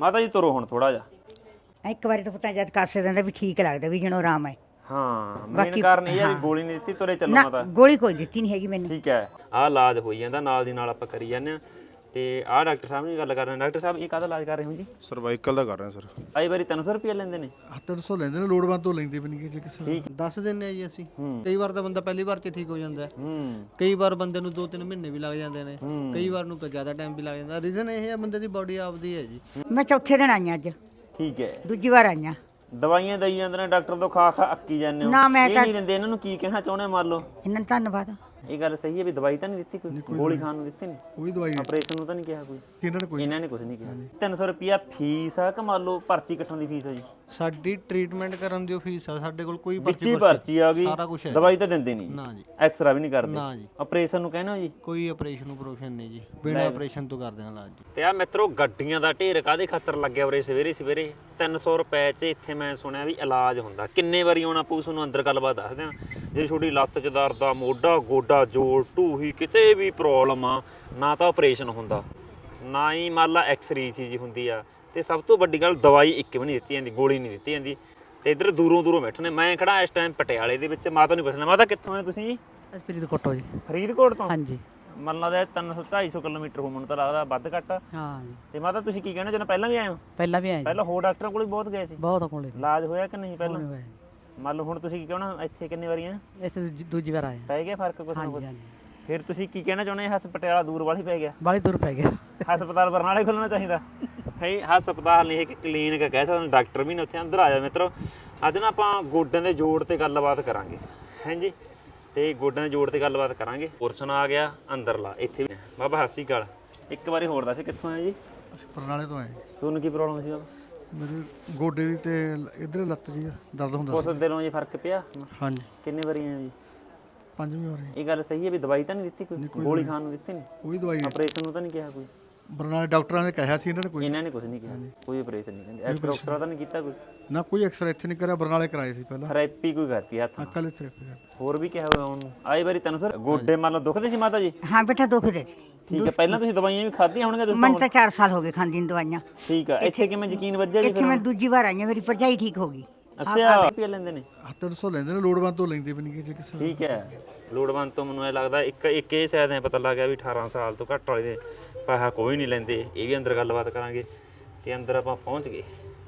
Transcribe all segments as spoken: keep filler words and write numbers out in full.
ਮਾਤਾ ਜੀ ਤੁਰੋ ਹੁਣ ਥੋੜਾ ਜਿਹਾ। ਇੱਕ ਵਾਰੀ ਤਾਂ ਪਤਾ ਜਦ ਕਾਸੇ ਦਿੰਦਾ ਵੀ ਠੀਕ ਲੱਗਦਾ ਵੀ ਜਣੋ ਆਰਾਮ ਹੈ। ਹਾਂ ਮੇਨ ਕਾਰਨ ਇਹ ਆ ਵੀ ਗੋਲੀ ਨਹੀਂ ਦਿੱਤੀ, ਤੁਰੇ ਚੱਲੋ ਨਾ ਮਾਤਾ। ਗੋਲੀ ਕੋਈ ਦਿੱਤੀ ਨਹੀਂ ਹੈਗੀ ਮੈਨੂੰ। ਠੀਕ ਹੈ, ਆਹ ਇਲਾਜ ਹੋਈ ਜਾਂਦਾ ਨਾਲ ਦੀ ਨਾਲ ਆਪਾਂ ਕਰੀ ਜਾਂਦੇ ਆ। ਤੇ ਆਹ ਡਾਕਟਰ ਸਾਹਿਬ ਨਾਲ ਗੱਲ ਕਰ ਰਹੇ। ਡਾਕਟਰ ਸਾਹਿਬ ਇਹ ਕਾਹਦਾ ਇਲਾਜ ਕਰ ਰਹੇ ਹੋ ਜੀ? ਸਰਵਾਈਕਲ ਦਾ ਕਰ ਰਹੇ ਸਰ। ਆਈ ਵਾਰੀ ਤਿੰਨ ਸੌ ਰੁਪਏ ਲੈਂਦੇ ਨੇ? ਤਿੰਨ ਸੌ ਲੈਂਦੇ ਨੇ, ਲੋੜਵੰਦ ਤੋਂ ਲੈਂਦੇ ਵੀ ਨਹੀਂ ਜੇ ਕਿਸੇ ਦੱਸ ਦਿੰਨੇ ਆ ਜੀ ਅਸੀਂ। ਕਈ ਵਾਰ ਤਾਂ ਬੰਦਾ ਪਹਿਲੀ ਵਾਰ 'ਚ ਠੀਕ ਹੋ ਜਾਂਦਾ ਹੈ, ਹੂੰ ਕਈ ਵਾਰ ਬੰਦੇ ਨੂੰ ਦੋ ਤਿੰਨ ਮਹੀਨੇ ਵੀ ਲੱਗ ਜਾਂਦੇ ਨੇ, ਕਈ ਵਾਰ ਨੂੰ ਜ਼ਿਆਦਾ ਟਾਈਮ ਵੀ ਲੱਗ ਜਾਂਦਾ। ਰੀਜ਼ਨ ਇਹ ਹੈ ਬੰਦੇ ਦੀ ਬਾਡੀ ਆਪਦੀ ਹੈ ਜੀ। ਮੈਂ ਚੌਥੇ ਦਿਨ ਆਈਆਂ ਅੱਜ, ਠੀਕ ਹੈ। ਦੂਜੀ ਵਾਰ ਆਈਆਂ। ਦਵਾਈਆਂ ਦਈ ਜਾਂਦੇ ਨੇ ਡਾਕਟਰ ਤੋਂ, ਖਾ ਖਾ ਅੱਕੀ ਜਾਂਦੇ ਹੋ। ਨਾ ਮੈਂ ਇਹ ਤਾਂ ਨਹੀਂ ਦਿੰਦੇ। ਇਹਨਾਂ ਨੂੰ ਕੀ ਕਹਿਣਾ ਚਾਹੁੰਦੇ ਮੰਨ ਲਓ? ਇਹਨਾਂ ਨੂੰ ਧੰਨਵਾਦ। ਇਹ ਗੱਲ ਸਹੀ ਹੈ ਵੀ ਦਵਾਈ ਤਾਂ ਨਹੀਂ ਦਿੱਤੀ ਕੋਈ, ਗੋਲੀ ਖਾਣ ਨੂੰ ਦਿੱਤੀ ਨਹੀਂ, ਕੋਈ ਦਵਾਈ ਨਹੀਂ ਆਪਰੇਸ਼ਨ ਨੂੰ ਤਾਂ ਨਹੀਂ ਕਿਹਾ ਕੋਈ, ਇਹਨਾਂ ਨੇ ਕੋਈ ਇਹਨਾਂ ਨੇ ਕੁਝ ਨਹੀਂ ਕਿਹਾ। ਤਿੰਨ ਸੌ ਰੁਪਿਆ ਫੀਸ ਆ ਕਿ ਮੰਨ ਲਓ ਪਰਚੀ ਕੱਟਣ ਦੀ ਫੀਸ ਆ ਜੀ? ਸਾਡੀ ਟ੍ਰੀਟਮੈਂਟ ਕਰਨ ਦੀ ਫੀਸ ਆ, ਸਾਡੇ ਕੋਲ ਕੋਈ ਵਿੱਚੀ ਪਰਚੀ ਆ ਗਈ, ਸਾਰਾ ਕੁਝ ਹੈ। ਦਵਾਈ ਤਾਂ ਦਿੰਦੇ ਨਹੀਂ, ਨਾ ਜੀ, ਐਕਸਰਾ ਵੀ ਨਹੀਂ ਕਰਦੇ, ਨਾ ਜੀ। ਆਪਰੇਸ਼ਨ ਨੂੰ ਕਹਿੰਦੇ ਹੋ ਜੀ? ਕੋਈ ਆਪਰੇਸ਼ਨ ਉਪਰੇਸ਼ਨ ਨਹੀਂ ਜੀ, ਬਿਨਾਂ ਆਪਰੇਸ਼ਨ ਤੋਂ ਕਰਦੇ ਹਾਂ ਇਲਾਜ ਜੀ। ਤੇ ਆ ਮਿੱਤਰੋ ਗੱਡੀਆਂ ਦਾ ਢੇਰ ਕਾਹਦੇ ਖਾਤਰ ਲੱਗਿਆ ਉਰੇ ਸਵੇਰੇ ਸਵੇਰੇ? ਤਿੰਨ ਸੌ ਰੁਪਏ 'ਚ ਇੱਥੇ ਮੈਂ ਸੁਣਿਆ ਵੀ ਇਲਾਜ ਹੁੰਦਾ। ਕਿੰਨੇ ਵਾਰੀ ਆਉਣਾ ਪਊ ਤੁਹਾਨੂੰ? ਅੰਦਰ ਗੱਲਬਾਤ ਦੱਸਦੇ ਆ। ਜੇ ਤੁਹਾਡੀ ਲੱਤ 'ਚ ਦਰਦ ਆ, ਮੋਢਾ ਗੋਡਾ ਜੋੜ ਢੂਹੀ ਕਿਤੇ ਵੀ ਪ੍ਰੋਬਲਮ ਆ, ਨਾ ਤਾਂ ਆਪਰੇਸ਼ਨ ਹੁੰਦਾ, ਨਾ ਹੀ ਮੰਨ ਲਾ ਐਕਸਰੇ ਸੀ ਜੀ ਹੁੰਦੀ ਆ। ਤੇ ਸਭ ਤੋਂ ਵੱਡੀ ਗੱਲ, ਦਵਾਈ ਇੱਕ ਵੀ ਨਹੀਂ ਦਿੱਤੀ ਜਾਂਦੀ, ਗੋਲੀ ਨਹੀਂ ਦਿੱਤੀ ਜਾਂਦੀ। ਤੇ ਇੱਧਰ ਦੂਰੋਂ ਦੂਰੋਂ ਬੈਠੇ ਨੇ। ਮੈਂ ਖੜਾ ਇਸ ਟਾਈਮ ਪਟਿਆਲੇ ਦੇ ਵਿੱਚ। ਮਾਤਾ ਨੂੰ ਪੁੱਛਣਾ, ਮਾਤਾ ਕਿੱਥੋਂ ਆਏ ਤੁਸੀਂ ਜੀ? ਅਸੀਂ ਫਰੀਦਕੋਟ ਤੋਂ ਜੀ। ਫਰੀਦਕੋਟ ਤੋਂ? ਹਾਂਜੀ। ਮੰਨ ਲੱਗਦਾ ਤਿੰਨ ਸੌ ਢਾਈ ਸੌ ਕਿਲੋਮੀਟਰ ਹੋ, ਮੈਨੂੰ ਤਾਂ ਲੱਗਦਾ ਵੱਧ ਘੱਟ। ਹਾਂ ਜੀ। ਤੇ ਮਾਤਾ ਤੁਸੀਂ ਕੀ ਕਹਿਣਾ ਚਾਹੁੰਦੇ? ਪਹਿਲਾਂ ਵੀ ਆਏ ਹੋ? ਪਹਿਲਾਂ ਵੀ ਆਏ ਜੀ। ਪਹਿਲਾਂ ਹੋਰ ਡਾਕਟਰਾਂ ਕੋਲ ਵੀ ਬਹੁਤ ਗਏ ਸੀ? ਬਹੁਤ ਕੋਲੇ ਇਲਾਜ ਹੋਇਆ ਕਿ ਨਹੀਂ ਪਹਿਲਾਂ? ਹੋਇਆ। ਮੰਨ ਲਓ ਹੁਣ ਤੁਸੀਂ ਕੀ ਕਹਿਣਾ, ਇੱਥੇ ਕਿੰਨੇ ਵਾਰੀ ਆ? ਇੱਥੇ ਦੂਜੀ- ਦੂਜੀ ਵਾਰ ਆਏ ਹਾਂ। ਪੈ ਗਿਆ ਫਰਕ ਕੁਛ ਨਾ ਕੁਛ? ਹਾਂਜੀ ਹਾਂਜੀ। ਫਿਰ ਤੁਸੀਂ ਕੀ ਕਹਿਣਾ ਚਾਹੁੰਦੇ? ਹਸਪਤਾਲ ਦੂਰ ਵਾਲੀ ਪੈ ਗਿਆ? ਬਾਲੀ ਦੂਰ ਪੈ ਗਿਆ। ਹਸਪਤਾਲ ਬਰਨਾਲੇ ਖੁੱਲਣਾ ਚਾਹੀਦਾ ਹੈ। ਹਸਪਤਾਲ ਨਹੀਂ, ਇੱਕ ਕਲੀਨਿਕ ਕਹਿ ਸਕਦੇ, ਡਾਕਟਰ ਵੀ ਨੇ ਉੱਥੇ। ਅੰਦਰ ਆ ਜਾ ਮਿੱਤਰੋ। ਅੱਜ ਨਾ ਆਪਾਂ ਗੋਡਿਆਂ ਦੇ ਜੋੜ ਤੇ ਗੱਲਬਾਤ ਕਰਾਂਗੇ, ਹਾਂਜੀ। ਤੇ ਗੋਡਿਆਂ ਦੇ ਜੋੜ ਤੇ ਗੱਲਬਾਤ ਕਰਾਂਗੇ। ਪੋਰਸ਼ਨ ਆ ਗਿਆ ਅੰਦਰਲਾ, ਇੱਥੇ ਵੀ। ਬਾਬਾ ਸਤਿ ਸ਼੍ਰੀ ਅਕਾਲ। ਇੱਕ ਵਾਰੀ ਹੋਰ ਦੱਸ ਕਿੱਥੋਂ ਆਏ ਜੀ? ਅਸੀਂ ਬਰਨਾਲੇ ਤੋਂ ਆਏ। ਤੁਹਾਨੂੰ ਕੀ ਪ੍ਰੋਬਲਮ ਸੀ? ਮੇਰੇ ਗੋਡੇ ਦੀ ਤੇ ਇਧਰ ਲੱਤ ਜੀ ਦਰਦ ਹੁੰਦਾ ਉਸ ਦਿਨੋਂ ਜੀ ਫਰਕ ਪਿਆ? ਹਾਂਜੀ। ਕਿੰਨੇ ਵਾਰੀ ਆਏ ਜੀ? ਪੰਜਵੀਂ ਵਾਰ ਇਹ ਗੱਲ ਸਹੀ ਹੈ ਵੀ ਦਵਾਈ ਤਾਂ ਨਹੀਂ ਦਿੱਤੀ ਕੋਈ, ਗੋਲੀ ਖਾਣ ਨੂੰ ਦਿੱਤੀ ਨਹੀਂ, ਕੋਈ ਦਵਾਈ ਨਹੀਂ। ਆਪਰੇਸ਼ਨ ਨੂੰ ਤਾਂ ਨਹੀਂ ਕਿਹਾ ਕੋਈ? ਬਰਨਾਲੇ ਡਾਕਟਰਾਂ ਨੇ ਕਿਹਾ ਸੀ, ਇਹਨਾਂ ਨੇ ਕੋਈ ਇਹਨਾਂ ਨੇ ਕੁਝ ਨਹੀਂ ਕਿਹਾ, ਕੋਈ ਆਪਰੇਸ਼ਨ ਨਹੀਂ ਕਹਿੰਦੇ। ਐਕਸਰਾ ਉਕਸਰਾ ਤਾਂ ਨਹੀਂ ਕੀਤਾ ਕੋਈ? ਨਾ, ਕੋਈ ਐਕਸਰਾ ਇੱਥੇ ਨਹੀਂ ਕਰਿਆ, ਬਰਨਾਲੇ ਕਰਾਏ ਸੀ ਪਹਿਲਾਂ। ਥੈਰੇਪੀ ਕੋਈ ਕਰਤੀ ਹੱਥ ਨਾਲ? ਕੱਲ ਥੈਰੇਪੀ ਕਰ। ਹੋਰ ਵੀ ਕਿਹਾ ਹੋਇਆ ਉਹਨੂੰ? ਆਈ ਵਾਰੀ ਤਿੰਨ ਸੌ? ਗੋਡੇ ਮੰਨ ਲਓ ਦੁਖਦੇ ਸੀ ਮਾਤਾ ਜੀ? ਹਾਂ ਬੇਟਾ ਦੁਖਦੇ। ਠੀਕ ਹੈ। ਪਹਿਲਾਂ ਤੁਸੀਂ ਦਵਾਈਆਂ ਵੀ ਖਾਧੀਆਂ ਹੋਣਗੀਆਂ ਤੁਸੀਂ? ਮੈਨੂੰ ਤਾਂ ਚਾਰ ਸਾਲ ਹੋ ਗਏ ਖਾਂਦੀ ਨੂੰ ਦਵਾਈਆਂ। ਠੀਕ ਹੈ। ਇੱਥੇ ਕਿਵੇਂ ਯਕੀਨ ਵੱਜਿਆ ਜੀ? ਇੱਥੇ ਮੈਂ ਦੂਜੀ ਵਾਰ ਆਈ ਹਾਂ, ਮੇਰੀ ਭਰਜਾਈ ਠੀਕ ਹੋ ਗਈ। ਅੱਛਾ, ਰੁਪਏ ਲੈਂਦੇ ਨੇ? ਤਿੰਨ ਸੌ ਲੈਂਦੇ ਨੇ, ਲੋੜਵੰਦ ਤੋਂ ਲੈਂਦੇ ਵੀ ਨਹੀਂ ਜੇ ਕਿਸੇ। ਠੀਕ ਹੈ। ਲੋੜਵੰਦ ਤੋਂ ਮੈਨੂੰ ਇਹ ਲੱਗਦਾ ਇੱਕ ਇੱਕ ਇਹ ਸ਼ਾਇਦ ਐ ਪਤਾ ਲੱਗ ਗਿਆ ਵੀ ਅਠਾਰਾਂ ਸਾਲ ਤੋਂ ਘੱਟ ਵਾਲੇ ਦੇ ਪੈਸਾ ਕੋਈ ਨਹੀਂ ਲੈਂਦੇ। ਇਹ ਵੀ ਅੰਦਰ ਗੱਲਬਾਤ ਕਰਾਂਗੇ। ਤੇ ਅੰਦਰ ਆਪਾਂ ਪਹੁੰਚ ਗਏ।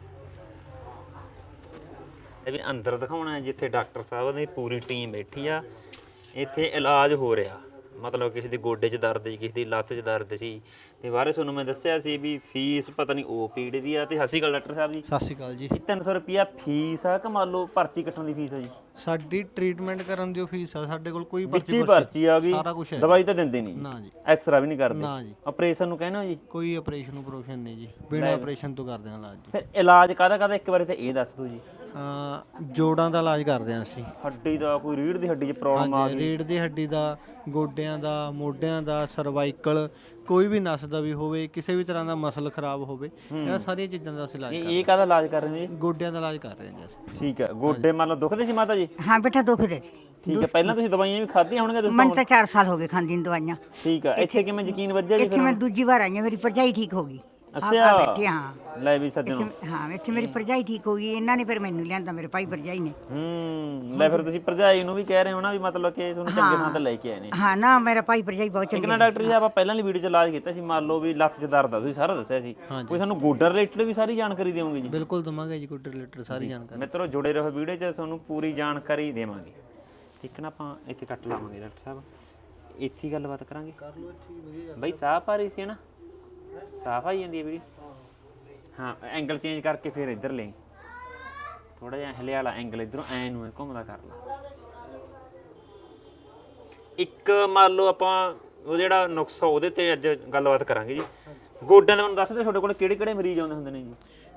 ਇਹ ਵੀ ਅੰਦਰ ਦਿਖਾਉਣਾ ਜਿੱਥੇ ਡਾਕਟਰ ਸਾਹਿਬ ਦੀ ਪੂਰੀ ਟੀਮ ਬੈਠੀ ਆ। ਇੱਥੇ ਇਲਾਜ ਹੋ ਰਿਹਾ, ਮਤਲਬ ਕਿਸੇ ਦੇ ਗੋਡੇ 'ਚ ਦਰਦ ਸੀ, ਕਿਸੇ ਦੀ ਲੱਤ 'ਚ ਦਰਦ ਸੀ। ਤੇ ਬਾਰੇ ਤੁਹਾਨੂੰ ਮੈਂ ਦੱਸਿਆ ਸੀ ਵੀ ਫੀਸ ਪਤਾ ਨਹੀਂ ਉਹ ਪੀੜ ਦੀ ਆ। ਤੇ ਸਤਿ ਸ਼੍ਰੀ ਅਕਾਲ ਡਾਕਟਰ ਸਾਹਿਬ ਜੀ। ਸਤਿ ਸ਼੍ਰੀ ਅਕਾਲ ਜੀ। ਇਹ ਤਿੰਨ ਸੌ ਰੁਪਿਆ ਫੀਸ ਆ ਕਿ ਮੰਨ ਲਓ ਪਰਚੀ ਕੱਟਣ ਦੀ ਫੀਸ ਆ ਜੀ? ਸਾਡੀ ਟ੍ਰੀਟਮੈਂਟ ਕਰਨ ਦੀ ਫੀਸ ਆ, ਸਾਡੇ ਕੋਲ ਕੋਈ ਵਿੱਚੀ ਪਰਚੀ ਆ ਗਈ, ਸਾਰਾ ਕੁਝ ਹੈ। ਦਵਾਈ ਤਾਂ ਦਿੰਦੇ ਨਹੀਂ, ਨਾ ਜੀ, ਐਕਸਰਾ ਵੀ ਨਹੀਂ ਕਰਦੇ, ਨਾ ਜੀ। ਆਪਰੇਸ਼ਨ ਨੂੰ ਕਹਿੰਦੇ ਹੋ ਜੀ? ਕੋਈ ਆਪਰੇਸ਼ਨ ਉਪਰੇਸ਼ਨ ਨਹੀਂ ਜੀ, ਬਿਨਾਂ ਆਪਰੇਸ਼ਨ ਤੋਂ ਕਰਦੇ ਹਾਂ ਇਲਾਜ ਜੀ। ਫਿਰ ਇਲਾਜ ਕਾਹਦਾ ਕਾਹਦਾ ਇੱਕ ਵਾਰੀ ਤਾਂ ਇਹ ਦੱਸ ਦਿਓ ਜੀ। ਅਹ ਜੋੜਾਂ ਦਾ ਇਲਾਜ ਕਰਦੇ ਹਾਂ ਅਸੀਂ। ਹੱਡੀ ਦਾ ਕੋਈ ਰੀੜ ਦੀ ਹੱਡੀ 'ਚ ਪ੍ਰੋਬਲਮ ਆ ਹਾਂਜੀ, ਗਈ? ਰੀੜ ਦੀ ਹੱਡੀ ਦਾ, ਗੋਡਿਆਂ ਦਾ, ਮੋਢਿਆਂ ਦਾ, ਸਰਵਾਈਕਲ, ਕੋਈ ਵੀ ਨਸ ਦਾ ਵੀ ਹੋਵੇ, ਕਿਸੇ ਵੀ ਤਰ੍ਹਾਂ ਦਾ ਮਸਲ ਖਰਾਬ ਹੋਵੇ, ਇਹਨਾਂ ਸਾਰੀਆਂ ਚੀਜ਼ਾਂ ਦਾ ਅਸੀਂ ਇਲਾਜ ਇਹ ਕਰਦੇ ਇਹ ਕਾਹਦਾ ਇਲਾਜ ਕਰ ਰਹੇ ਹੋ ਜੀ? ਹਾਂ। ਗੋਡਿਆਂ ਦਾ ਇਲਾਜ ਕਰ ਰਹੇ ਹਾਂ ਜੀ ਅਸੀਂ। ਠੀਕ ਹੈ। ਗੋਡੇ ਮੰਨ ਲਓ ਦੁਖਦੇ ਸੀ ਮਾਤਾ ਜੀ? ਹਾਂ ਬੇਟਾ ਦੁਖਦੇ। ਠੀਕ ਹੈ। ਪਹਿਲਾਂ ਤੁਸੀਂ ਦਵਾਈਆਂ ਵੀ ਖਾਧੀਆਂ ਹੋਣਗੀਆਂ ਤੁਸੀਂ? ਮੈਨੂੰ ਤਾਂ ਚਾਰ ਸਾਲ ਹੋ ਗਏ ਖਾਂਦੀ ਨੂੰ ਦਵਾਈਆਂ। ਠੀਕ ਹੈ। ਇੱਥੇ ਕਿਵੇਂ ਯਕੀਨ ਵੱਜਿਆ ਜੀ? ਇੱਥੇ ਮੈਂ ਦੂਜੀ ਵਾਰ ਆਈ ਹਾਂ, ਮੇਰੀ ਭਰਜਾਈ ਠੀਕ ਹੋ ਗਈ। ਅੱਛਾ। ਆ ਬੈਠੇ ਹਾਂ। ਲੈ ਵੀ ਸੱਜਣੋ। ਇੱਥੇ- ਹਾਂ ਇੱਥੇ ਮੇਰੀ ਭਰਜਾਈ ਠੀਕ ਹੋ ਗਈ। ਇਹਨਾਂ ਨੇ ਫਿਰ ਮੈਨੂੰ ਲਿਆਂਦਾ, ਮੇਰੇ ਭਾਈ ਭਰਜਾਈ ਨੇ। ਹੂੰ। ਲੈ ਫਿਰ ਤੁਸੀਂ ਭਰਜਾਈ ਨੂੰ ਵੀ ਕਹਿ ਰਹੇ ਹੋ ਨਾ ਵੀ ਮਤਲਬ ਕਿ ਤੁਹਾਨੂੰ ਚੰਗੇ ਥਾਂ ਤੇ ਲੈ ਕੇ ਆਏ ਨੇ? ਹਾਂ ਨਾ, ਮੇਰਾ ਭਾਈ ਭਰਜਾਈ ਬਹੁਤ ਇੱਕ ਚੰਗੇ ਨਾ ਡਾਕਟਰ ਜੀ ਆਪਾਂ ਪਹਿਲਾਂ ਵਾਲੀ ਵੀਡੀਓ 'ਚ ਇਲਾਜ ਕੀਤਾ ਸੀ, ਮੰਨ ਲਓ ਵੀ ਲੱਤ 'ਚ ਦਰਦ ਆ, ਤੁਸੀਂ ਸਾਰਾ ਦੱਸਿਆ ਸੀ। ਕੋਈ ਸਾਨੂੰ ਗੋਡਾ ਰਿਲੇਟਡ ਵੀ ਸਾਰੀ ਜਾਣਕਾਰੀ ਦਿਓਗੇ ਜੀ? ਬਿਲਕੁਲ ਦਵਾਂਗੇ ਜੀ, ਕੋਈ ਰਿਲੇਟਡ ਸਾਰੀ ਜਾਣਕਾਰੀ। ਮਿੱਤਰੋ ਜੁੜੇ ਰਹੋ ਵੀਡੀਓ 'ਚ, ਤੁਹਾਨੂੰ ਪੂਰੀ ਜਾਣਕਾਰੀ ਦੇਵਾਂਗੇ। ਇੱਕ ਨਾ ਆਪਾਂ ਇੱਥੇ ਕੱਟ ਲਾਵਾਂਗੇ ਡਾਕਟਰ ਸਾਹਿਬ, ਇੱਥੇ ਹੀ ਗੱਲਬਾਤ ਕਰਾਂਗੇ। ਕਰ ਲਓ ਇੱਥੇ ਵਧੀਆ ਬਈ। ਸਾਫ਼ ਆ ਰਹੀ ਸੀ ਨਾ? ਸਾਫ਼ ਆਈ ਜਾਂਦੀ ਹੈ ਵੀਡੀਓ? ਹਾਂ, ਐਂਗਲ ਚੇਂਜ ਕਰਕੇ ਫਿਰ ਇੱਧਰ ਲੈ ਥੋੜਾ ਜਿਹਾ ਹਿਲਿਆ ਵਾਲਾ ਐਂਗਲ, ਇੱਧਰੋਂ ਐ ਨੂੰ ਘੁੰਮਦਾ ਕਰ ਲਾ। ਇੱਕ ਮੰਨ ਲਓ ਆਪਾਂ ਉਹ ਜਿਹੜਾ ਨੁਕਸਾ ਉਹਦੇ ਤੇ ਅੱਜ ਗੱਲਬਾਤ ਕਰਾਂਗੇ ਜੀ। ਗੋਡਿਆਂ ਦਾ ਮੈਨੂੰ ਦੱਸ ਦਿਓ ਤੁਹਾਡੇ ਕੋਲ ਕਿਹੜੇ ਕਿਹੜੇ ਮਰੀਜ਼ ਆਉਂਦੇ ਹੁੰਦੇ ਨੇ ਜੀ?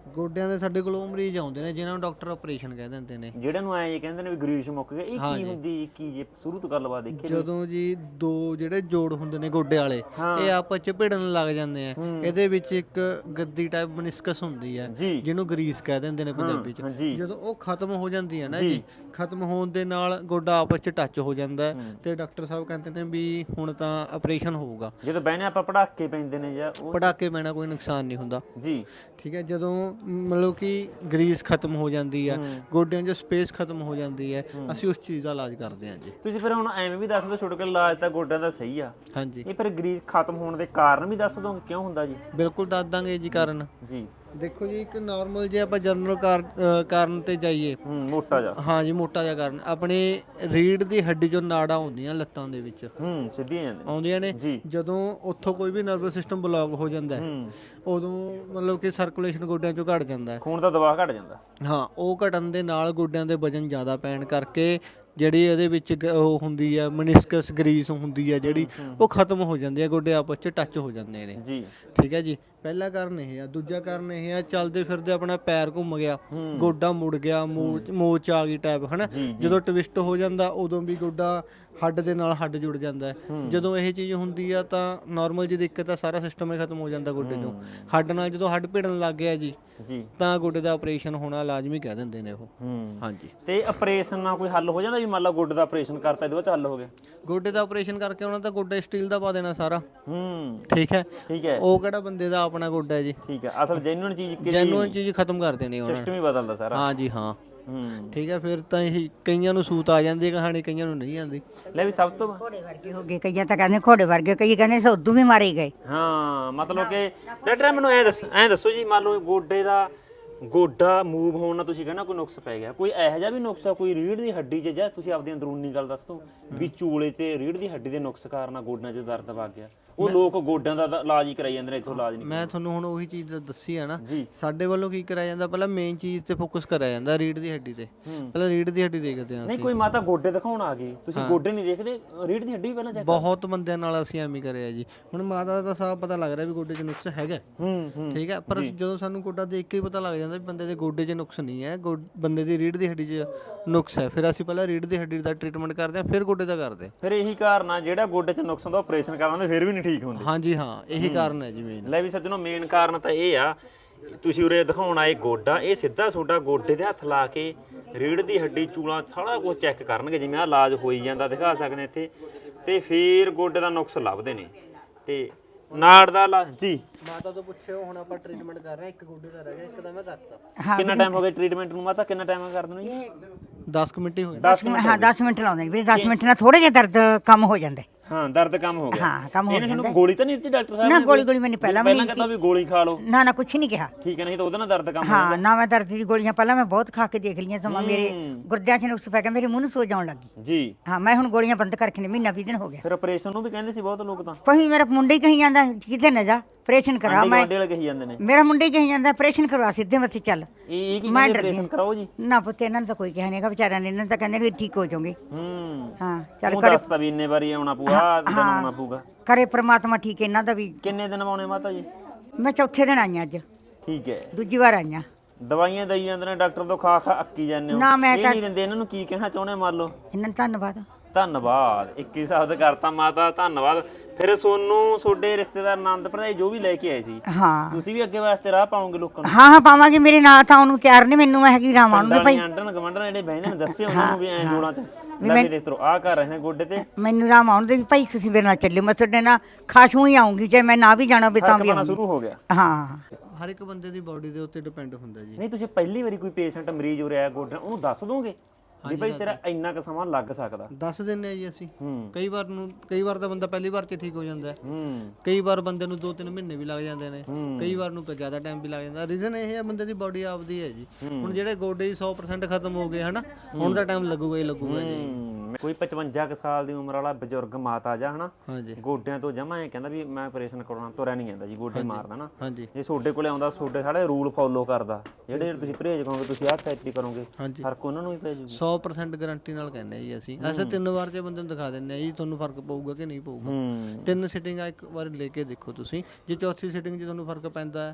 ਗੋਡਿਆਂ ਦੇ ਸਾਡੇ ਕੋਲ ਉਹ ਮਰੀਜ਼ ਆਉਂਦੇ ਨੇ ਜਿਨ੍ਹਾਂ ਨੂੰ ਡਾਕਟਰ ਆਪਰੇਸ਼ਨ ਕਹਿ ਦਿੰਦੇ ਨੇ। ਜਿਹੜੇ ਨੂੰ ਐਂ ਕਹਿੰਦੇ ਨੇ ਵੀ ਗਰੀਸ ਮੁੱਕ ਗਿਆ, ਇਹ ਕੀ ਹੁੰਦੀ ਕੀ ਜੇ ਸ਼ੁਰੂ ਤੋਂ ਗੱਲਬਾਤ ਦੇਖੀ ਜਦੋਂ ਜੀ ਦੋ ਜਿਹੜੇ ਜੋੜ ਹੁੰਦੇ ਨੇ ਗੋਡੇ ਵਾਲੇ ਇਹ ਆਪਸ ਚ ਭਿੜਨ ਲੱਗ ਜਾਂਦੇ ਆ, ਇਹਦੇ ਵਿੱਚ ਇੱਕ ਗੱਦੀ ਟਾਈਪ ਮਨਿਸਕਸ ਹੁੰਦੀ ਹੈ ਜੀ। ਜਿਹਨੂੰ ਗਰੀਸ ਕਹਿ ਦਿੰਦੇ ਨੇ ਪੰਜਾਬੀ ਚ। ਜਦੋਂ ਉਹ ਖਤਮ ਹੋ ਜਾਂਦੀ ਹੈ ਨਾ ਜੀ, ਖਤਮ ਹੋਣ ਦੇ ਨਾਲ ਗੋਡਾ ਆਪਸ ਚ ਟੱਚ ਹੋ ਜਾਂਦਾ ਹੈ ਤੇ ਡਾਕਟਰ ਸਾਹਿਬ ਕਹਿੰਦੇ ਨੇ ਵੀ ਹੁਣ ਤਾਂ ਆਪਰੇਸ਼ਨ ਹੋਊਗਾ। ਜਦੋਂ ਬਹਿਨੇ ਆਪਾਂ ਪੜਾਕੇ ਪੈਂਦੇ ਨੇ ਜਾਂ ਉਹ ਪੜਾਕੇ ਪੈਣਾ ਕੋਈ ਨੁਕਸਾਨ ਨਹੀਂ ਹੁੰਦਾ ਜੀ, ਠੀਕ ਹੈ। ਜਦੋਂ ਮਤਲਬ ਕਿ ਗਰੀਸ ਖਤਮ ਹੋ ਜਾਂਦੀ ਹੈ, ਗੋਡਿਆਂ 'ਚ ਸਪੇਸ ਖਤਮ ਹੋ ਜਾਂਦੀ ਹੈ, ਅਸੀਂ ਉਸ ਚੀਜ਼ ਦਾ ਇਲਾਜ ਕਰਦੇ ਹਾਂ ਜੀ। ਤੁਸੀਂ ਫਿਰ ਹੁਣ ਐਵੇਂ ਵੀ ਦੱਸ ਦਿਓ ਛੋਟੇ ਕੇ ਇਲਾਜ ਤਾਂ ਗੋਡਿਆਂ ਦਾ ਸਹੀ ਆ, ਹਾਂਜੀ ਇਹ ਫਿਰ ਗਰੀਸ ਖਤਮ ਹੋਣ ਦੇ ਕਾਰਨ ਵੀ ਦੱਸ ਦੋਗੇ ਕਿਉਂ ਹੁੰਦਾ ਜੀ? ਬਿਲਕੁਲ ਦੱਸ ਦਾਂਗੇ ਜੀ ਕਾਰਨ। ਜੀ ਦੇਖੋ ਜੀ, ਇੱਕ ਨਾਰਮਲ ਜੇ ਆਪਾਂ ਜਨਰਲ ਕਾਰਨ ਤੇ ਜਾਈਏ, ਹੂੰ ਮੋਟਾ ਜਾ ਹਾਂ ਜੀ ਮੋਟਾ ਜਿਹਾ ਕਾਰਨ ਆਪਣੇ ਰੀੜ ਦੀ ਹੱਡੀ ਚੋਂ ਨਾੜਾਂ ਹੁੰਦੀਆਂ ਲੱਤਾਂ ਦੇ ਵਿੱਚ ਹੂੰ ਸਿੱਧੀਆਂ ਜਾਂਦੇ ਆਉਂਦੀਆਂ ਨੇ। ਜੀ। ਜਦੋਂ ਉੱਥੋਂ ਕੋਈ ਵੀ ਨਰਵਸ ਸਿਸਟਮ ਬਲੌਕ ਹੋ ਜਾਂਦਾ ਹੈ, ਹੂੰ ਉਦੋਂ ਮਤਲਬ ਕਿ ਸਰਕੂਲੇਸ਼ਨ ਗੋਡਿਆਂ ਚੋਂ ਘਟ ਜਾਂਦਾ ਹੈ। ਖੂਨ ਦਾ ਦਬਾਅ ਘਟ ਜਾਂਦਾ। ਹਾਂ, ਉਹ ਘਟਣ ਦੇ ਨਾਲ ਗੋਡਿਆਂ ਦੇ ਵਜਨ ਜ਼ਿਆਦਾ ਪੈਣ ਕਰਕੇ ਜਿਹੜੀ ਇਹਦੇ ਵਿੱਚ ਗ- ਉਹ ਹੁੰਦੀ ਹੈ ਮਨਿਸਕਸ ਗਰੀਸ ਹੁੰਦੀ ਹੈ ਜਿਹੜੀ, ਉਹ ਖਤਮ ਹੋ ਜਾਂਦੀ ਹੈ, ਗੋਡੇ ਆਪਸ 'ਚ ਟੱਚ ਹੋ ਜਾਂਦੇ ਨੇ। ਜੀ ਠੀਕ ਹੈ ਜੀ, ਪਹਿਲਾ ਕਾਰਨ ਇਹ ਆ। ਦੂਜਾ ਕਾਰਨ ਇਹ ਆ, ਚੱਲਦੇ ਫਿਰਦੇ ਆਪਣਾ ਪੈਰ ਘੁੰਮ ਗਿਆ, ਗੋਡਾ ਮੁੜ ਗਿਆ, ਮੋਚ ਮੋਚ ਆ ਗਈ ਟਾਈਪ ਹਨਾ। ਜਦੋਂ ਟਵਿਸਟ ਹੋ ਜਾਂਦਾ ਉਦੋਂ ਵੀ ਗੋਡਾ ਹੱਡ ਦੇ ਨਾਲ ਹੱਡ ਜੁੜ ਜਾਂਦਾ ਹੈ। ਜਦੋਂ ਇਹ ਚੀਜ਼ ਹੁੰਦੀ ਆ ਤਾਂ ਨਾਰਮਲ ਜੀ ਦਿੱਕਤ ਆ, ਸਾਰਾ ਸਿਸਟਮ ਹੀ ਖਤਮ ਹੋ ਜਾਂਦਾ ਗੋਡੇ ਚੋਂ। ਹੱਡ ਨਾਲ ਜਦੋਂ ਹੱਡ ਭਿੜਨ ਲੱਗ ਗਿਆ ਜੀ ਜੀ ਤਾਂ ਗੋਡੇ ਦਾ ਆਪਰੇਸ਼ਨ ਹੋਣਾ ਲਾਜ਼ਮੀ ਕਹਿ ਦਿੰਦੇ ਨੇ ਉਹ। ਹੂੰ ਹਾਂਜੀ। ਤੇ ਆਪਰੇਸ਼ਨ ਨਾਲ ਕੋਈ ਹੱਲ ਹੋ ਜਾਂਦਾ ਵੀ ਮੰਨ ਲਾ ਗੋਡੇ ਦਾ ਆਪਰੇਸ਼ਨ ਕਰਤਾ ਇਹਦੇ ਬਾਅਦ ਹੱਲ ਹੋ ਗਿਆ? ਗੋਡੇ ਦਾ ਆਪਰੇਸ਼ਨ ਕਰਕੇ ਉਹਨਾਂ ਦਾ ਗੋਡਾ ਸਟੀਲ ਦਾ ਪਾ ਦੇਣਾ ਸਾਰਾ। ਹੂੰ ਠੀਕ ਹੈ, ਠੀਕ ਹੈ ਉਹ ਕਿਹੜਾ ਬੰਦੇ ਦਾ ਆਪਣਾ ਗੋਡਾ ਹੈ ਜੀ। ਠੀਕ ਹੈ, ਅਸਲ ਜੈਨੂਇਨ ਚੀਜ਼ ਕਿ ਜੈਨੂਇਨ ਚੀਜ਼ ਖਤਮ ਕਰ ਦੇਣੀ ਉਹਨਾਂ ਨੇ। ਸਿਸਟਮ ਹੀ ਬਦਲਦਾ ਸਾਰਾ। ਹਾਂ ਜੀ ਹਾਂ। ਹੂੰ ਠੀਕ ਹੈ, ਫਿਰ ਤਾਂ ਇਹ ਕਈਆਂ ਨੂੰ ਸੂਤ ਆ ਜਾਂਦੀ ਹੈ ਕਹਾਣੀ, ਕਈਆਂ ਨੂੰ ਨਹੀਂ ਆਉਂਦੀ। ਲੈ ਵੀ ਸਭ ਤੋਂ ਘੋੜੇ ਵਰਗੇ ਹੋ ਗਏ, ਕਈਆਂ ਤਾਂ ਕਹਿੰਦੇ ਘੋੜੇ ਵਰਗੇ, ਕਈ ਕਹਿੰਦੇ ਸੋਧੂ ਵੀ ਮਾਰੇ ਗਏ। ਹਾਂ ਮਤਲਬ ਕਿ ਡਾਕਟਰ ਮੈਨੂੰ ਐ ਦੱਸ ਐ ਦੱਸੋ ਜੀ, ਮੰਨ ਲਓ ਗੋਡੇ ਦਾ ਗੋਡਾ ਮੂਵ ਹੋਣ ਨਾਲ ਤੁਸੀਂ ਕਹਿੰਦਾ ਕੋਈ ਨੁਕਸ ਪੈ ਗਿਆ, ਕੋਈ ਇਹੋ ਜਿਹਾ ਵੀ ਨੁਕਸ ਆ ਕੋਈ ਰੀੜ ਦੀ ਹੱਡੀ 'ਚ, ਜਾਂ ਤੁਸੀਂ ਆਪਦੀ ਅੰਦਰੂਨੀ ਗੱਲ ਦੱਸ ਦਿਓ ਵੀ ਚੂਲੇ ਤੇ ਰੀੜ ਦੀ ਹੱਡੀ ਦੇ ਨੁਕਸ ਕਾਰਨ ਗੋਡਿਆਂ 'ਚ ਦਰਦ ਵਗ ਗਿਆ? ਉਹ ਲੋਕ ਗੋਡਿਆਂ ਦਾ ਤਾਂ ਇਲਾਜ ਹੀ ਕਰਾਈ ਜਾਂਦੇ ਨੇ, ਇੱਥੋਂ ਇਲਾਜ ਨਹੀਂ। ਮੈਂ ਤੁਹਾਨੂੰ ਹੁਣ ਉਹੀ ਚੀਜ਼ ਦੱਸੀ ਆ ਨਾ, ਜੀ। ਸਾਡੇ ਵੱਲੋਂ ਕੀ ਕਰਾਇਆ ਜਾਂਦਾ, ਪਹਿਲਾਂ ਮੇਨ ਚੀਜ਼ ਤੇ ਫੋਕਸ ਕਰਿਆ ਜਾਂਦਾ ਰੀੜ ਦੀ ਹੱਡੀ ਤੇ। ਪਹਿਲਾਂ ਰੀੜ ਦੀ ਹੱਡੀ ਦੇਖਦੇ ਹਾਂ ਨਹੀਂ ਅਸੀਂ। ਕੋਈ ਮਾਤਾ ਗੋਡੇ ਦਿਖਾਉਣ ਆ ਗਈ, ਤੁਸੀਂ ਗੋਡੇ ਨਹੀਂ ਦੇਖਦੇ, ਰੀੜ ਦੀ ਹੱਡੀ ਵੀ ਪਹਿਲਾਂ ਚੈੱਕ? ਬਹੁਤ ਬੰਦਿਆਂ ਨਾਲ ਅਸੀਂ ਐਵੇਂ ਕਰਿਆ ਜੀ। ਹੁਣ ਮਾਤਾ ਦਾ ਸਾਫ ਪਤਾ ਲੱਗ ਰਿਹਾ ਵੀ ਗੋਡੇ 'ਚ ਨੁਕਸ ਹੈਗਾ। ਹੂੰ ਹੂੰ ਠੀਕ ਹੈ, ਪਰ ਜਦੋਂ ਸਾਨੂੰ ਗੋਡਾ ਦੇਖ ਕੇ ਹੀ ਪਤਾ ਲੱਗ ਜਾਂਦਾ ਵੀ ਬੰਦੇ ਦੇ ਗੋਡੇ 'ਚ ਨੁਕਸ ਨਹੀਂ ਹੈ, ਗੋ- ਬੰਦੇ ਦੀ ਰੀੜ ਦੀ ਹੱਡੀ 'ਚ ਨੁਕਸ ਹੈ, ਫਿਰ ਅਸੀਂ ਪਹਿਲਾਂ ਰੀੜ ਦੀ ਹੱਡੀ ਦਾ ਟ੍ਰੀਟਮੈਂਟ ਕਰਦੇ ਹਾਂ, ਫਿਰ ਗੋਡੇ ਦਾ ਕਰਦੇ ਹਾਂ। ਫਿਰ ਇਹੀ ਕਾਰਨ ਆ ਜਿਹੜਾ ਗੋਡੇ 'ਚ ਨੁਕਸ ਹੁੰਦਾ ਆਪਰੇਸ਼ਨ ਕਰਾਉਂਦੇ ਫਿਰ ਵੀ ਨਹੀਂ ਠੀਕ ਹੁੰਦੇ। ਹਾਂਜੀ ਹਾਂ, ਇਹੀ ਕਾਰਨ ਹੈ ਜੀ ਮੇਨ। ਲੈ ਵੀ ਸੱਜਣੋ, ਮੇਨ ਕਾਰਨ ਤਾਂ ਇਹ ਆ, ਤੁਸੀਂ ਉਰੇ ਦਿਖਾਉਣ ਆਏ ਗੋਡਾ, ਇਹ ਸਿੱਧਾ ਤੁਹਾਡਾ ਗੋਡੇ ਦੇ ਹੱਥ ਲਾ ਕੇ ਰੀੜ ਦੀ ਹੱਡੀ ਚੂਲਾ ਸਾਰਾ ਕੁਝ ਚੈੱਕ ਕਰਨਗੇ, ਜਿਵੇਂ ਆਹ ਇਲਾਜ ਹੋਈ ਜਾਂਦਾ ਦਿਖਾ ਸਕਦੇ ਇੱਥੇ, ਤੇ ਫਿਰ ਗੋਡੇ ਦਾ ਨੁਕਸ ਲੱਭਦੇ ਨੇ। ਤੇ ਨਾੜ ਦਾ ਇਲਾਜ ਜੀ ਮਾਤਾ ਤੋਂ ਪੁੱਛਿਓ, ਹੁਣ ਆਪਾਂ ਟ੍ਰੀਟਮੈਂਟ ਕਰ ਰਹੇ ਹਾਂ, ਇੱਕ ਗੋਡੇ ਦਾ ਰਹਿ ਗਿਆ, ਇੱਕ ਦਾ ਮੈਂ ਕਰਤਾ। ਹਾਂ ਕਿੰਨਾ ਟਾਈਮ ਹੋ ਗਿਆ ਟ੍ਰੀਟਮੈਂਟ ਨੂੰ ਮਾਤਾ, ਕਿੰਨਾ ਟਾਈਮ ਕਰ ਦੇਣਾ ਜੀ? ਦਸ ਕੁ ਮਿੰਟ ਹੀ ਹੋਏ। ਦਸ ਮਿੰਟ, ਹਾਂ ਦਸ ਮਿੰਟ ਲਾਉਂਦੇ ਨੇ ਵੀ ਦਸ ਮਿੰਟ ਨਾਲ ਥੋੜੇ ਜਿਹਾ ਦਰਦ ਕੰਮ ਹੋ ਜਾਂਦਾ ਹੈ। ਹਾਂ ਦਰਦ ਕੰਮ ਹੋ ਗਿਆ। ਹਾਂ ਕੰਮ ਹੋ ਇਹਨੇ ਜਾਂਦਾ ਤੁਹਾਨੂੰ ਗੋਲੀ ਤਾਂ ਨਹੀਂ ਦਿੱਤੀ ਡਾਕਟਰ ਸਾਹਿਬ ਨਾ, ਨੇ? ਗੋਲੀ ਗੋਲੀ ਮੈंने ਪਹਿਲਾਂ ਵੀ ਪਹਿਲਾਂ ਨਹੀਂ ਕਹਿੰਦਾ ਵੀ ਗੋਲੀ ਖਾ ਲਓ, ਨਾ ਨਾ ਕੁਛ ਨਹੀਂ ਕਿਹਾ। ਠੀਕ ਹੈ, ਨਹੀਂ ਤਾਂ ਉਹਦੇ ਨਾਲ ਦਰਦ ਕੰਮ ਹੋ ਹਾਂ ਨਾ, ਮੈਂ ਦਰਦ ਦੀ ਗੋਲੀਆਂ ਪਹਿਲਾਂ ਮੈਂ ਬਹੁਤ ਖਾ ਕੇ ਦੇਖ ਲਈਆਂ, ਸਮਾਂ ਮੇਰੇ ਗੁਰਦਿਆਂ 'ਚ ਨੁਕਸ ਪੈ ਗਿਆ, ਮੇਰੇ ਮੂੰਹ ਨੂੰ ਸੋਜ ਆਉਣ ਲੱਗੀ। ਜੀ। ਹਾਂ ਮੈਂ ਹੁਣ ਗੋਲੀਆਂ ਬੰਦ ਕਰਕੇ ਨੇ ਮਹੀਨਾ ਵੀਹ ਦਿਨ ਹੋ ਗਿਆ। ਫਿਰ ਆਪਰੇਸ਼ਨ ਨੂੰ ਵੀ ਕਹਿੰਦੇ ਸੀ ਬਹੁਤ ਲੋਕ ਤਾਂ, ਕੋਈ ਮੇਰਾ ਮੁੰਡਾ ਹੀ ਕਹੀ ਜਾਂਦਾ ਕਿਤੇ ਨਾ ਜਾ ਆਪਰੇਸ਼ਨ ਕਰਾ। ਮੈਂ ਗੋਡੇ ਵਾਲੇ ਕਹੀ ਜਾਂਦੇ ਨੇ ਮੇਰਾ ਮੁੰਡਾ ਹੀ ਕਹੀ ਜਾਂਦਾ ਆਪਰੇਸ਼ਨ ਕਰਵਾ, ਸਿੱਧੇ ਮੱਥੇ ਚੱਲ। ਇਹ ਇਹ ਕੀ ਮੈਂ ਕਹਿੰਦੇ ਡਰਦੀ ਆਪਰੇਸ਼ਨ ਕਰਾਓ ਜੀ? ਨਾ ਪੁੱਤ, ਇਹਨਾਂ ਨੂੰ ਤਾਂ ਕੋਈ ਕਿਹਾ ਨਹੀਂਗਾ ਵਿਚਾਰਿਆਂ ਨੇ, ਇਹਨਾਂ ਨੂੰ ਤਾਂ ਕਹਿੰਦੇ ਵੀ ਠੀਕ ਹੋ ਜਾਓਗੇ। ਹੂੰ ਹਾਂ ਚੱਲ ਉਹ ਕਰੇ, ਦੱਸਤਾ ਵੀ ਇੰਨੇ ਵਾਰੀ ਆਉਣਾ ਪਊਗਾ, ਦਿਨ ਆਉਣਾ ਪਊਗਾ। ਕਰੇ ਪ੍ਰਮਾਤਮਾ ਠੀਕ, ਇਹਨਾਂ ਦਾ ਵੀ। ਕਿੰਨੇ ਦਿਨ ਆਉਣੇ ਮਾਤਾ ਜੀ? ਮੈਂ ਚੌਥੇ ਦਿਨ ਆਈ ਹਾਂ ਅੱਜ, ਠੀਕ ਹੈ। ਦੂਜੀ ਵਾਰ ਆਈ ਹਾਂ। ਦਵਾਈਆਂ ਦਈ ਜਾਂਦੇ ਨੇ ਡਾਕਟਰ ਤੋਂ, ਖਾ ਖਾ ਅੱਕੀ ਜਾਂਦੇ ਹੋ। ਨਾ, ਮੈਂ ਇਹ ਤਾਂ- ਨਹੀਂ ਦਿੰਦੇ, ਇਹਨਾਂ ਨੂੰ ਕੀ ਕਹਿਣਾ ਚਾਹੁੰਦੇ ਮੰਨ ਲਓ? ਇਹਨਾਂ ਨੂੰ ਧੰਨਵਾਦ। ਧੰਨਵਾਦ, ਇੱਕੀ ਸ਼ਬਦ ਕਰਤਾ ਮਾਤਾ, ਧੰਨਵਾਦ। ਫਿਰ ਸੋਨੂੰ ਤੁਹਾਡੇ ਰਿਸ਼ਤੇਦਾਰ ਆਨੰਦ ਭਰਜਾਈ ਜੋ ਵੀ ਲੈ ਕੇ ਆਏ ਸੀ, ਹਾਂ ਤੁਸੀਂ ਵੀ ਅੱਗੇ ਵਾਸਤੇ ਰਾਹ ਪਾਉਂਗੇ ਲੋਕਾਂ ਨੂੰ? ਹਾਂ ਹਾਂ ਪਾਵਾਂਗੇ, ਮੇਰੇ ਨਾਲ ਤਾਂ ਉਹਨੂੰ ਤਿਆਰ ਨੇ, ਮੈਨੂੰ ਮੈਂ ਹੈਗੀ ਰਾਵਾਂ ਨੂੰ ਭਾਈ। ਆਂਡਣ ਗਵੰਡਣ ਜਿਹੜੇ ਬਹਿੰਦੇ ਨੇ ਦੱਸੇ ਉਹਨਾਂ ਨੂੰ ਵੀ ਐਂ ਜੋੜਾਂ ਚ ਲੱਗੇ ਦੇ ਤਰੋ ਆ ਕਰ ਰਹੇ ਨੇ ਗੋਡੇ ਤੇ। ਮੈਨੂੰ ਰਾਮ ਆਉਣ ਦੇ ਵੀ ਭਾਈ, ਤੁਸੀਂ ਮੇਰੇ ਨਾਲ ਚੱਲਿਓ, ਮੈਂ ਤੁਹਾਡੇ ਨਾਲ ਖਾਸ਼ੂ ਹੀ ਆਉਂਗੀ, ਜੇ ਮੈਂ ਨਾ ਵੀ ਜਾਣਾ ਵੀ ਤਾਂ ਵੀ ਖਾਣਾ ਆਉਂਗੀ। ਸ਼ੁਰੂ ਹੋ ਗਿਆ। ਹਾਂ ਹਰ ਇੱਕ ਬੰਦੇ ਦੀ ਬਾਡੀ ਦੇ ਉੱਤੇ ਡਿਪੈਂਡ ਹੁੰਦਾ ਜੀ। ਨਹੀਂ ਤੁਸੀਂ ਪਹਿਲੀ ਵਾਰੀ ਕੋਈ ਪੇਸ਼ੈਂਟ ਮਰੀਜ਼ ਹੋ ਰਿਹਾ ਗੋਡਿਆਂ, ਉਹਨੂੰ ਦੱਸ ਦੋਗੇ ਵੀ ਭਾਈ ਤੇਰਾ ਇੰਨਾ ਕੁ ਸਮਾਂ ਲੱਗ ਸਕਦਾ? ਦੱਸ ਦਿੰਦੇ ਆ ਜੀ ਅਸੀਂ। ਹੂੰ ਕਈ ਵਾਰ ਨੂੰ ਕਈ ਵਾਰ ਤਾਂ ਬੰਦਾ ਪਹਿਲੀ ਵਾਰ 'ਚ ਠੀਕ ਹੋ ਜਾਂਦਾ ਹੈ, ਹੂੰ ਕਈ ਵਾਰ ਬੰਦੇ ਨੂੰ ਦੋ ਤਿੰਨ ਮਹੀਨੇ ਵੀ ਲੱਗ ਜਾਂਦੇ ਨੇ, ਕਈ ਵਾਰ ਨੂੰ ਜ਼ਿਆਦਾ ਟਾਈਮ ਵੀ ਲੱਗ ਜਾਂਦਾ। ਰੀਜ਼ਨ ਇਹ ਹੈ ਬੰਦੇ ਦੀ ਬਾਡੀ ਆਪਦੀ ਹੈ ਜੀ। ਹੁਣ ਜਿਹੜੇ ਗੋਡੇ ਹੀ ਸੌ ਪ੍ਰਸੈਂਟ ਖਤਮ ਹੋ ਗਏ ਹਨਾ, ਹੁਣ ਦਾ ਟਾਈਮ ਲੱਗੂਗਾ ਹੀ ਲੱਗੂਗਾ ਜੀ। ਹੂੰ। ਕੋਈ ਪਚਵੰਜਾ ਕੁ ਸਾਲ ਦੀ ਉਮਰ ਵਾਲਾ ਬਜ਼ੁਰਗ ਮਾਤਾ ਜਾਂ ਹਨਾ ਹਾਂਜੀ ਗੋਡਿਆਂ ਤੋਂ ਜਮਾ ਐ ਕਹਿੰਦਾ ਵੀ ਮੈਂ ਆਪਰੇਸ਼ਨ ਕਰਾਉਣਾ, ਤੁਰਿਆ ਨਹੀਂ ਜਾਂਦਾ ਜੀ, ਗੋਡੇ ਮਾਰਦਾ ਨਾ। ਹਾਂਜੀ ਜੇ ਤੁਹਾਡੇ ਕੋਲੇ ਆਉਂਦਾ, ਤੁਹਾਡੇ ਸਾਰੇ ਰੂਲ ਫੋਲੋ ਕਰਦਾ, ਜਿਹੜੇ ਜਿਹੜੇ ਤੁਸੀਂ ਪਰਹੇਜ਼ ਕਰੋਗੇ, ਤੁਸੀਂ ਆਹ ਥੈਰੇਪੀ ਕਰੋਗੇ, ਹਾਂਜੀ ਫਰਕ ਉਹਨਾਂ ਨੂੰ ਹੀ ਪੈ ਜਾਊਗਾ। ਸੌ ਪ੍ਰਸੈਂਟ ਗਾਰੰਟੀ ਨਾਲ ਕਹਿੰਦੇ ਆ ਜੀ ਅਸੀਂ। ਅਸੀਂ ਤਿੰਨ ਵਾਰ 'ਚ ਬੰਦੇ ਨੂੰ ਦਿਖਾ ਦਿੰਦੇ ਆ ਜੀ, ਤੁਹਾਨੂੰ ਫਰਕ ਪਊਗਾ ਕਿ ਨਹੀਂ ਪਊਗਾ। ਹੂੰ ਤਿੰਨ ਸਿਟਿੰਗਾਂ ਇੱਕ ਵਾਰ ਲੈ ਕੇ ਦੇਖੋ ਤੁਸੀਂ, ਜੇ ਚੌਥੀ ਸਿਟਿੰਗ 'ਚ ਤੁਹਾਨੂੰ ਫਰਕ ਪੈਂਦਾ ਹੈ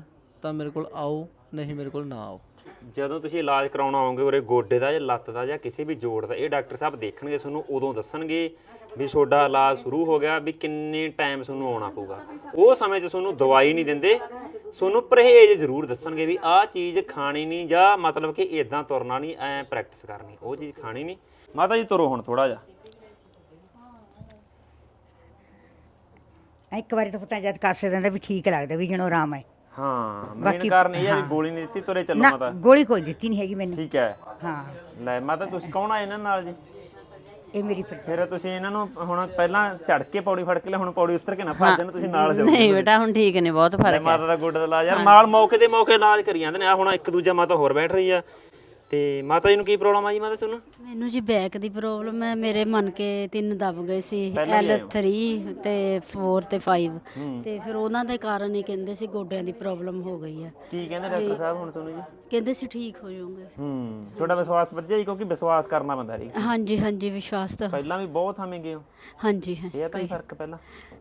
ਤਾਂ ਮੇਰੇ ਕੋਲ ਆਓ, ਨਹੀਂ ਮੇਰੇ ਕੋਲ ਨਾ ਆਓ। ਜਦੋਂ ਤੁਸੀਂ ਇਲਾਜ ਕਰਾਉਣ ਆਓਗੇ ਉਰੇ ਗੋਡੇ ਦਾ ਜਾਂ ਲੱਤ ਦਾ ਜਾਂ ਕਿਸੇ ਵੀ ਜੋੜ ਦਾ, ਇਹ ਡਾਕਟਰ ਸਾਹਿਬ ਦੇਖਣਗੇ ਤੁਹਾਨੂੰ, ਉਦੋਂ ਦੱਸਣਗੇ ਵੀ ਤੁਹਾਡਾ ਇਲਾਜ ਸ਼ੁਰੂ ਹੋ ਗਿਆ, ਵੀ ਕਿੰਨੇ ਟਾਈਮ ਤੁਹਾਨੂੰ ਆਉਣਾ ਪਊਗਾ। ਉਹ ਸਮੇਂ 'ਚ ਤੁਹਾਨੂੰ ਦਵਾਈ ਨਹੀਂ ਦਿੰਦੇ, ਤੁਹਾਨੂੰ ਪਰਹੇਜ਼ ਜ਼ਰੂਰ ਦੱਸਣਗੇ ਵੀ ਆਹ ਚੀਜ਼ ਖਾਣੀ ਨਹੀਂ, ਜਾਂ ਮਤਲਬ ਕਿ ਇਦਾਂ ਤੁਰਨਾ ਨਹੀਂ, ਐਂ ਪ੍ਰੈਕਟਿਸ ਕਰਨੀ, ਉਹ ਚੀਜ਼ ਖਾਣੀ ਨਹੀਂ। ਮਾਤਾ ਜੀ ਤੁਰੋ ਹੁਣ ਥੋੜਾ ਜਿਹਾ। ਇੱਕ ਵਾਰੀ ਤਾਂ ਪਤਾ ਜਦ ਕਾਸੇ ਦਿੰਦਾ ਵੀ ਠੀਕ ਲੱਗਦਾ ਵੀ ਜਣੋ ਆਰਾਮ ਹੈ। ਹਾਂ, ਮੇਨ ਬਾਕੀ- ਕਾਰਨ ਇਹ ਹੈ ਵੀ ਹਾਂ। ਗੋਲੀ ਨਹੀਂ ਦਿੱਤੀ, ਤੁਰੇ ਚੱਲੋ ਨਾ ਮਾਤਾ। ਗੋਲੀ ਕੋਈ ਦਿੱਤੀ ਨਹੀਂ ਹੈਗੀ ਮੈਨੂੰ। ਠੀਕ ਹੈ, ਹਾਂ ਲੈ ਮਾਤਾ ਤੁਸੀਂ ਕੌਣ ਆਏ ਇਹਨਾਂ ਨਾਲ ਜੀ? ਇਹ ਮੇਰੀ ਫਿਰ ਫਿਰ ਤੁਸੀਂ ਇਹਨਾਂ ਨੂੰ ਹੁਣ ਪਹਿਲਾਂ ਝੜ ਕੇ ਪੌੜੀ ਫੜ ਕੇ ਲੈ, ਹੁਣ ਪੌੜੀ ਉਤਰ ਕੇ ਨਾ ਭੱਜ ਜਾਣ, ਤੁਸੀਂ ਨਾਲ ਜਾਓ। ਨਹੀਂ ਬੇਟਾ ਹੁਣ ਠੀਕ ਨੇ, ਬਹੁਤ ਲੈ ਫਰਕ ਹੈ। ਮਾਤਾ ਦਾ ਗੋਡੇ ਦਾ ਇਲਾਜ ਯਾਰ ਨਾਲ ਮੌਕੇ ਦੇ ਮੌਕੇ ਇਲਾਜ ਕਰੀ ਜਾਂਦੇ ਨੇ। ਆ ਹੁਣ ਇੱਕ ਦੂਜਾ ਮਾਤਾ ਹੋਰ ਬੈਠ ਰਹੀ ਆ। ਤੇ ਮਾਤਾ ਜੀ ਨੂੰ ਕੀ ਪ੍ਰੋਬਲਮ ਆ ਜੀ ਮਾਤਾ ਤੁਹਾਨੂੰ? ਮੈਨੂੰ ਜੀ ਬੈਕ ਦੀ ਪ੍ਰੋਬਲਮ ਹੈ। ਮੇਰੇ ਮਨ ਕੇ ਤਿੰਨ ਦਬ ਗਏ ਸੀ, ਪਹਿਲਾਂ ਵੀ ਐਲ ਆਏ ਹੋ? ਥ੍ਰੀ ਤੇ ਫੋਰ ਤੇ ਫਾਈਵ, ਤੇ ਫਿਰ ਉਹਨਾਂ ਦੇ ਕਾਰਨ ਹੀ ਕਹਿੰਦੇ ਸੀ ਗੋਡਿਆਂ ਦੀ ਪ੍ਰੋਬਲਮ ਹੋ ਗਈ ਹੈ। ਕੀ ਕਹਿੰਦੇ ਡਾਕਟਰ ਸਾਹਿਬ ਹੁਣ ਤੁਹਾਨੂੰ ਜੀ? ਕਹਿੰਦੇ ਸੀ ਠੀਕ ਹੋ ਜਾਓਗੇ। ਹੂੰ, ਤੁਹਾਡਾ ਵਿਸ਼ਵਾਸ ਵੱਧਿਆ ਜੀ, ਕਿਉਂਕਿ ਵਿਸ਼ਵਾਸ ਕਰਨਾ ਬੰਦਾ ਜੀ। ਹਾਂਜੀ ਹਾਂਜੀ ਵਿਸ਼ਵਾਸ ਤਾਂ ਪਹਿਲਾਂ ਵੀ ਬਹੁਤ ਥਾਵੇਂ ਗਏ ਹੋ, ਹਾਂਜੀ ਹੈ। ਇਹ ਤਾਂ ਹੀ ਫਰਕ ਪਹਿਲਾਂ।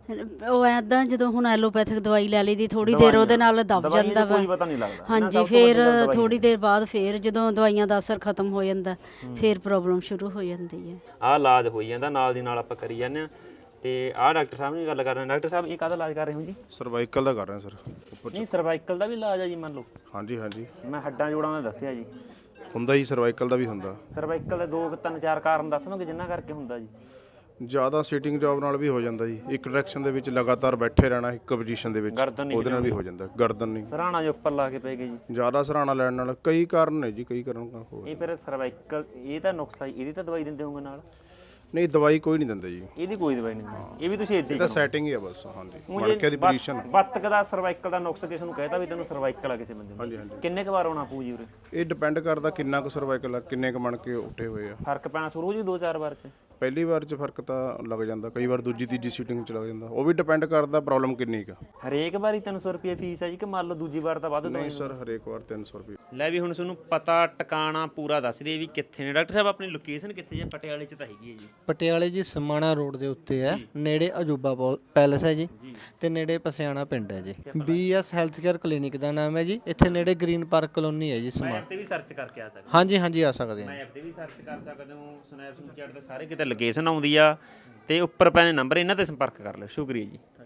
ਉਹ ਐਦਾਂ ਜਦੋਂ ਹੁਣ ਐਲੋਪੈਥਿਕ ਦਵਾਈ ਲੈ ਲਈ ਦੀ ਥੋੜੀ ਦੇਰ ਉਹਦੇ ਨਾਲ ਦਬ ਦਵਾਈਆਂ ਜਾਂਦਾ ਦਾ ਵਾ। ਕੋਈ ਪਤਾ ਨਹੀਂ ਲੱਗਦਾ। ਇਹਨਾਂ ਹਾਂਜੀ ਸਭ ਤੋਂ ਫਿਰ ਵੱਡੀ ਗੱਲ ਦਵਾਈ ਥੋੜੀ ਦੇਰ ਬਾਅਦ ਫਿਰ ਜਦੋਂ ਦਵਾਈਆਂ ਦਾ ਅਸਰ ਖਤਮ ਹੋ ਜਾਂਦਾ ਫਿਰ ਪ੍ਰੋਬਲਮ ਸ਼ੁਰੂ ਹੋ ਜਾਂਦੀ ਹੈ। ਆਹ ਇਲਾਜ ਹੋਈ ਜਾਂਦਾ, ਨਾਲ ਦੀ ਨਾਲ ਆਪਾਂ ਕਰੀ ਜਾਂਦੇ ਆ। ਤੇ ਆਹ ਡਾਕਟਰ ਸਾਹਿਬ ਨਾਲ ਗੱਲ ਕਰ ਰਹੇ। ਡਾਕਟਰ ਸਾਹਿਬ ਇਹ ਕਾਹਦਾ ਇਲਾਜ ਕਰ ਰਹੇ ਹੋ ਜੀ? ਸਰਵਾਈਕਲ ਦਾ ਕਰ ਰਹੇ ਹਾਂ ਸਰ ਉੱਪਰ। ਨਹੀਂ, ਸਰਵਾਈਕਲ ਦਾ ਵੀ ਇਲਾਜ ਆ ਜੀ ਮੰਨ ਲਓ? ਹਾਂਜੀ ਹਾਂਜੀ ਮੈਂ ਹੱਡਾਂ ਜੋੜਾਂ ਦਾ ਦੱਸਿਆ ਜੀ। ਹੁੰਦਾ ਜੀ, ਸਰਵਾਈਕਲ ਦਾ ਵੀ ਹੁੰਦਾ। ਸਰਵਾਈਕਲ ਦੇ ਦੋ ਕੁ ਤਿੰਨ ਚਾਰ ਕਾਰਨ ਦੱਸਣਗੇ ਜਿੰਨਾ ਕਰਕੇ ਹੁੰਦਾ ਜੀ? ਜ਼ਿਆਦਾ ਸੀਟਿੰਗ ਜੌਬ ਨਾਲ ਵੀ ਹੋ ਜਾਂਦਾ ਜੀ। ਇੱਕ ਡਾਇਰੈਕਸ਼ਨ ਦੇ ਵਿੱਚ ਲਗਾਤਾਰ ਬੈਠੇ ਰਹਿਣਾ ਇੱਕ ਪੋਜੀਸ਼ਨ ਦੇ ਵਿੱਚ, ਗਰਦਨ ਨਹੀਂ ਉਹਦੇ ਨਾਲ ਵੀ ਹੋ ਜਾਂਦਾ। ਗਰਦਨ ਨਹੀਂ, ਸਰਾਣਾ ਜੋ ਉੱਪਰ ਲਾ ਕੇ ਪੈ ਗਏ ਜੀ। ਜ਼ਿਆਦਾ ਸਰਾਣਾ ਲੈਣ ਨਾਲ ਕਈ ਕਾਰਨ ਨੇ ਜੀ, ਕਈ ਕਾਰਨ ਹੋ। ਇਹ ਫਿਰ ਸਰਵਾਈਕਲ ਇਹ ਤਾਂ ਨੁਕਸਾ ਜੀ, ਇਹਦੀ ਤਾਂ ਦਵਾਈ ਦਿੰਦੇ ਹੋਗੇ ਨਾਲ? ਨਹੀਂ, ਦਵਾਈ ਕੋਈ ਨਹੀਂ ਦਿੰਦੇ ਜੀ, ਇਹਦੀ ਕੋਈ ਦਵਾਈ ਨਹੀਂ ਦਿੰਦੇ, ਇਹ ਵੀ ਤੁਸੀਂ ਇੱਦਾਂ ਇਹ ਹੀ ਤਾਂ ਕਰੋ। ਸੈਟਿੰਗ ਹੀ ਆ ਬਸ। ਹਾਂਜੀ, ਊਂ ਮਣ ਕੇ ਦੀ ਬੱਤ- ਪੋਜੀਸ਼ਨ। ਬੱਤਕ ਦਾ ਸਰਵਾਈਕਲ ਦਾ ਨੁਕਸ ਕਿਸੇ ਨੂੰ ਕਹਿਤਾ ਵੀ ਤੈਨੂੰ ਸਰਵਾਈਕਲ ਆ ਕਿਸੇ ਬੰਦੇ ਹਾਂਜੀ ਨੂੰ, ਹਾਂਜੀ, ਕਿੰਨੇ ਕੁ ਵਾਰ ਆਉਣਾ ਪਊ ਜੀ ਉਰੇ? ਇਹ ਡਿਪੈਂਡ ਕਰਦਾ ਕਿੰਨਾ ਕੁ ਸਰਵਾਈਕਲ ਆ, ਕਿੰਨੇ ਕੁ ਮਣ ਕੇ ਉੱਠੇ ਹੋਏ ਆ। ਫਰਕ ਪੈਣਾ ਸ਼ੁਰੂ ਹੋ ਜੀ ਦੋ ਚਾਰ ਵਾਰ ਚ? ਪਹਿਲੀ ਵਾਰ 'ਚ ਫਰਕ ਤਾਂ ਲੱਗ ਜਾਂਦਾ, ਕਈ ਵਾਰ ਦੂਜੀ ਤੀਜੀ ਸੀਟਿੰਗ 'ਚ ਲੱਗ ਜਾਂਦਾ। ਉਹ ਵੀ ਡਿਪੈਂਡ ਕਰਦਾ ਪ੍ਰੋਬਲਮ ਕਿੰਨੀ ਕੁ। ਹਰੇਕ ਵਾਰੀ ਤਿੰਨ ਸੌ ਰੁਪਏ ਫੀਸ ਹੈ ਜੀ, ਕਿ ਮੰਨ ਲਓ ਦੂਜੀ ਵਾਰ ਤਾਂ ਵੱਧ ਨਹੀਂ ਦੋ? ਸਰ, ਹਰੇਕ ਵਾਰ ਤਿੰਨ ਸੌ ਰੁਪਏ। ਲੈ ਵੀ ਹੁਣ ਤੁਹਾਨੂੰ ਪਤਾ ਟਿਕਾਣਾ ਪੂਰਾ ਦੱਸ ਦੇ ਵੀ ਕਿੱਥੇ ਨੇ ਡਾਕਟਰ ਸਾਹਿਬ। ਆਪਣੀ ਲੋਕੇਸ਼ਨ ਕਿੱਥੇ ਜੇ? ਪਟਿਆਲੇ ਚ ਤਾਂ ਹੈਗੀ ਹੈ ਜੀ। ਪਟਿਆਲੇ ਜੀ ਸਮਾਣਾ ਰੋਡ ਦੇ ਉੱਤੇ ਹੈ, ਨੇੜੇ ਅਜੂਬਾ ਪੌ- ਪੈਲਸ ਹੈ ਜੀ, ਤੇ ਨੇੜੇ ਪਸਿਆਣਾ ਪਿੰਡ ਹੈ ਜੀ। B S health care clinic ਦਾ ਨਾਮ ਹੈ ਜੀ। ਇੱਥੇ ਨੇੜੇ ਗ੍ਰੀਨ ਪਾਰਕ ਕਲੋਨੀ ਹੈ ਜੀ ਸਮਾਣਾ। ਮੈਪ ਤੇ ਵੀ ਸਰਚ ਕਰਕੇ ਆ ਸਕਦੇ? ਹਾਂਜੀ ਹਾਂਜੀ ਆ ਸਕਦੇ ਹਾਂ। ਮੈਪ ਤੇ ਵੀ ਸਰਚ ਕਰ ਸਕਦੇ ਹੋ, ਸਨੈਪਚੈਟ ਤੇ ਸਾਰੇ ਕਿਤੇ ਲੋਕੇਸ਼ਨ ਆਉਂਦੀ ਆ, ਤੇ ਉੱਪਰ ਪੈਣੇ ਨੰਬਰ, ਇਹਨਾਂ ਤੇ ਸੰਪਰਕ ਕਰ ਲਿਓ। ਸ਼ੁਕਰੀਆ ਜੀ।